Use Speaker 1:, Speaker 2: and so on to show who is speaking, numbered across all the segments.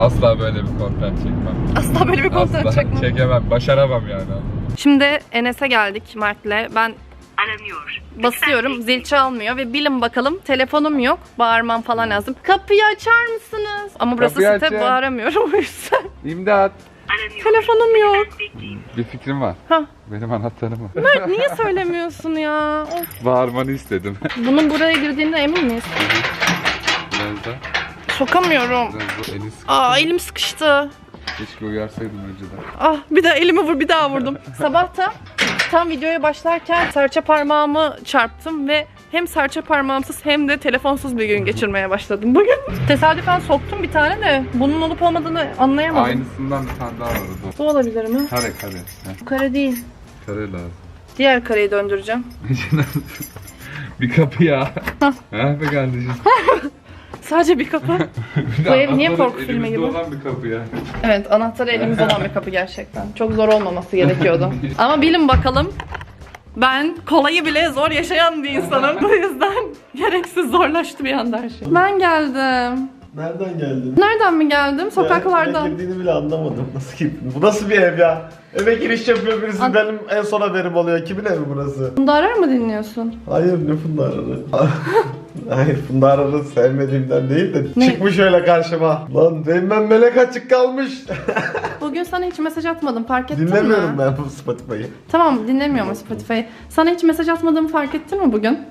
Speaker 1: Asla böyle bir content çekmem.
Speaker 2: Asla böyle bir content
Speaker 1: Asla
Speaker 2: çekmem.
Speaker 1: çekemem, başaramam yani.
Speaker 2: Şimdi Enes'e geldik Mert'le. Ben
Speaker 3: aranıyor.
Speaker 2: basıyorum, zil çalmıyor ve bilin bakalım telefonum yok. Bağırmam falan lazım. Kapıyı açar mısınız? Ama burası
Speaker 1: Kapıyı
Speaker 2: site,
Speaker 1: açın.
Speaker 2: bağıramıyorum o yüzden.
Speaker 1: İmdat.
Speaker 3: Aranıyor.
Speaker 2: Telefonum yok.
Speaker 1: Bir fikrim var.
Speaker 2: Hah.
Speaker 1: Benim anahtarım var.
Speaker 2: Mert niye söylemiyorsun ya? Of.
Speaker 1: Bağırmanı istedim.
Speaker 2: Bunun buraya girdiğine emin miyiz?
Speaker 1: Biraz da.
Speaker 2: Sokamıyorum.
Speaker 1: Biraz da elini sık.
Speaker 2: Aa, elim sıkıştı.
Speaker 1: Keşke uyarsaydım önceden.
Speaker 2: Ah, bir daha elimi vur, bir daha vurdum. Sabah da tam videoya başlarken serçe parmağımı çarptım ve hem serçe parmağımsız hem de telefonsuz bir gün geçirmeye başladım bugün. Tesadüfen soktum bir tane de bunun olup olmadığını anlayamadım.
Speaker 1: Aynısından bir tane daha var orada.
Speaker 2: Bu olabilir mi?
Speaker 1: Kare. Heh,
Speaker 2: Bu kare değil.
Speaker 1: kare lazım.
Speaker 2: Diğer kareyi döndüreceğim.
Speaker 1: Bir kapı ya. Ha be kardeşim.
Speaker 2: Sadece bir kapı.
Speaker 1: Bir de
Speaker 2: Bu ev niye
Speaker 1: anahtarı
Speaker 2: korku filmi
Speaker 1: elimizde
Speaker 2: gibi?
Speaker 1: olan bir kapı ya.
Speaker 2: Evet, anahtarı elimizde olan bir kapı gerçekten. Çok zor olmaması gerekiyordu. Ama bilin bakalım, ben kolayı bile zor yaşayan bir insanım. Bu yüzden gereksiz zorlaştı bir anda her şey. Ben geldim.
Speaker 4: Nereden geldin?
Speaker 2: Nereden mi geldim? Sokaklardan.
Speaker 4: Eve girdiğini bile anlamadım. Nasıl girdin? Bu nasıl bir ev ya? Eve giriş yapıyor birisi, benim en son haberim oluyor. Kimin evi burası?
Speaker 2: Funda Arar mı dinliyorsun?
Speaker 4: Hayır, ne Funda Arar'ı? Hayır, Funda Arar'ı sevmediğimden değil de
Speaker 2: Ne?
Speaker 4: çıkmış öyle karşıma. Lan benim ben melek açık kalmış.
Speaker 2: Bugün sana hiç mesaj atmadım, fark ettin mi?
Speaker 4: Dinlemiyorum ben bu Spotify'ı.
Speaker 2: Tamam, dinlemiyorum Spotify'ı. Sana hiç mesaj atmadığımı fark ettin mi bugün?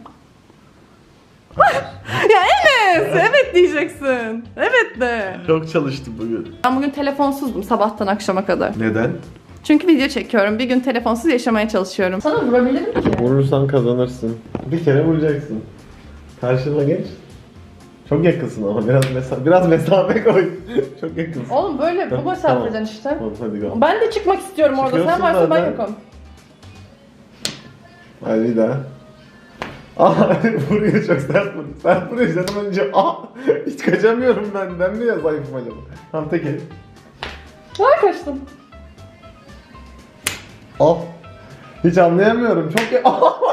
Speaker 2: Ya Enes, evet diyeceksin. Evet de.
Speaker 4: Çok çalıştım bugün.
Speaker 2: Ben bugün telefonsuzdum sabahtan akşama kadar.
Speaker 4: Neden?
Speaker 2: Çünkü video çekiyorum. Bir gün telefonsuz yaşamaya çalışıyorum. Sana vurabilirim ki.
Speaker 4: Vurursan kazanırsın. Bir kere vuracaksın. Karşına geç. Çok yakınsın ama biraz mesafe koy. Çok yakınsın.
Speaker 2: Oğlum böyle bu mesafeden işte.
Speaker 4: Tamam, hadi go.
Speaker 2: Ben de çıkmak istiyorum orada. Sen
Speaker 4: Çıkıyorsun
Speaker 2: varsa ben
Speaker 4: zaten.
Speaker 2: yokum.
Speaker 4: Hadi bir daha. Vuruyor, çok sert vuruyor. Sert vuruyor canım önce. Hiç kaçamıyorum ben. Ben mi ya zayıfım acaba? Tamam, tek el.
Speaker 2: Var kaçtın.
Speaker 4: Hiç anlayamıyorum. Çok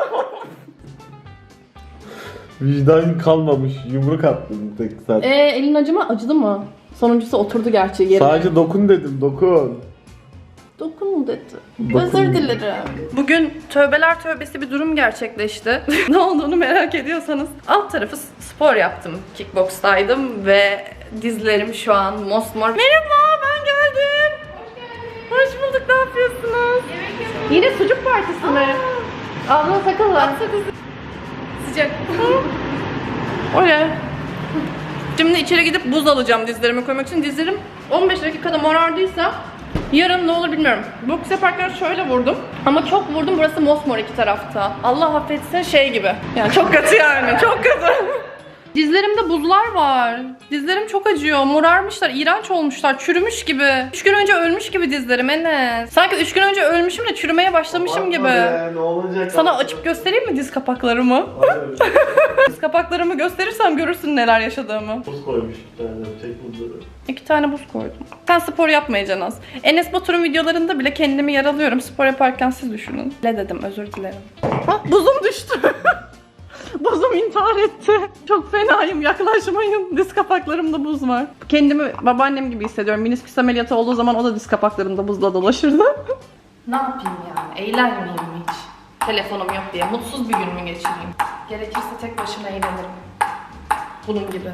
Speaker 4: Vicdan kalmamış. Yumruk attım tek sert.
Speaker 2: Elin acıdı mı? Sonuncusu oturdu gerçi yerine.
Speaker 4: Sadece dokun dedim, dokun.
Speaker 2: Dokun dedi.
Speaker 4: Dokun.
Speaker 2: Özür dilerim. Bugün tövbeler tövbesi bir durum gerçekleşti. Ne olduğunu merak ediyorsanız alt tarafı spor yaptım. Kickbox'taydım ve dizlerim şu an mosmor. Merhaba, ben geldim. Hoş bulduk, ne yapıyorsunuz? Yine sucuk partisi mi? Abla sakınla. Sıcak. Oley. Şimdi içeri gidip buz alacağım dizlerime koymak için. Dizlerim 15 dakikada morardıysa yarın ne olur bilmiyorum. Boks yaparken şöyle vurdum. Ama çok vurdum, burası mosmor iki tarafta. Allah affetsin, şey gibi. Yani çok kötü yani, çok kötü. Dizlerimde buzlar var. Dizlerim çok acıyor. Morarmışlar, iğrenç olmuşlar, çürümüş gibi. 3 gün önce ölmüş gibi dizlerim Enes. Sanki 3 gün önce ölmüşüm de çürümeye başlamışım gibi.
Speaker 4: Ne olacak?
Speaker 2: Sana açıp göstereyim mi diz kapaklarımı? Diz kapaklarımı gösterirsem görürsün neler yaşadığımı.
Speaker 4: Buz koymuş bir tane. Çek buzları.
Speaker 2: 2 tane buz koydum. Sen spor yapmayacaksın az. Enes Batur'un videolarında bile kendimi yaralıyorum. Spor yaparken siz düşünün. Ne dedim, özür dilerim. Buzum düştü. Buzum intihar etti. Çok fenayım, yaklaşmayın. Diz kapaklarımda buz var. Kendimi babaannem gibi hissediyorum. Minisküs ameliyatı olduğu zaman o da diz kapaklarımda buzla dolaşırdı. Ne yapayım yani? Eğlenmeyeyim mi hiç? Telefonum yok diye. Mutsuz bir gün mü geçireyim? Gerekirse tek başıma eğlenirim. Bunun gibi.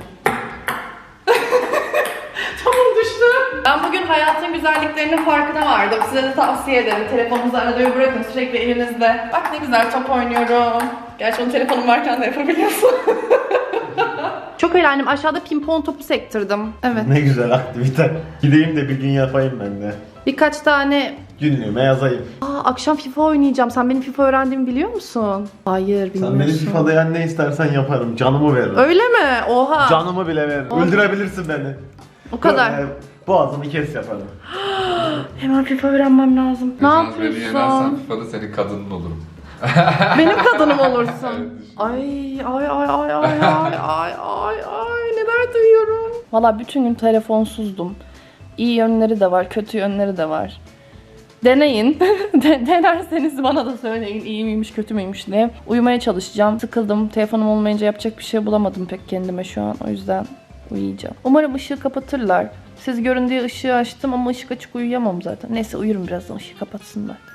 Speaker 2: Tamam, düştü. Ben bugün hayatın güzelliklerinin farkına vardım. Size de tavsiye ederim. Telefonunuzu arada bir bırakın, sürekli elinizde. Bak ne güzel top oynuyorum. Gerçi onun telefonum varken de yapabiliyorsun. Çok eğlendim. Aşağıda pimpon topu sektirdim. Evet.
Speaker 4: Ne güzel aktivite. Gideyim de bir gün yapayım ben de.
Speaker 2: Birkaç tane...
Speaker 4: Günlüğüme yazayım.
Speaker 2: Akşam FIFA oynayacağım. Sen benim FIFA öğrendiğimi biliyor musun? Hayır, bilmiyorsun.
Speaker 4: Sen beni FIFA'da ne istersen yaparım. Canımı veririm.
Speaker 2: Öyle mi? Oha.
Speaker 4: Canımı bile veririm.
Speaker 2: Oha.
Speaker 4: Öldürebilirsin beni.
Speaker 2: O kadar.
Speaker 4: Böyle boğazımı kes yaparım.
Speaker 2: Hemen FIFA öğrenmem lazım. Ne
Speaker 1: Yalnız beni yenersen
Speaker 2: yapıyorsun?
Speaker 1: FIFA'da senin kadının olurum.
Speaker 2: Benim kadınım olursun.
Speaker 1: Evet,
Speaker 2: Ay neler duyuyorum. Valla bütün gün telefonsuzdum. İyi yönleri de var, kötü yönleri de var. Deneyin. Denerseniz bana da söyleyin iyi miymiş, kötü müymüş diye. Uyumaya çalışacağım. Sıkıldım. Telefonum olmayınca yapacak bir şey bulamadım pek kendime şu an. O yüzden uyuyacağım. Umarım ışığı kapatırlar. Siz görün diye ışığı açtım ama ışık açık uyuyamam zaten. Neyse uyurum birazdan, ışığı kapatsınlar.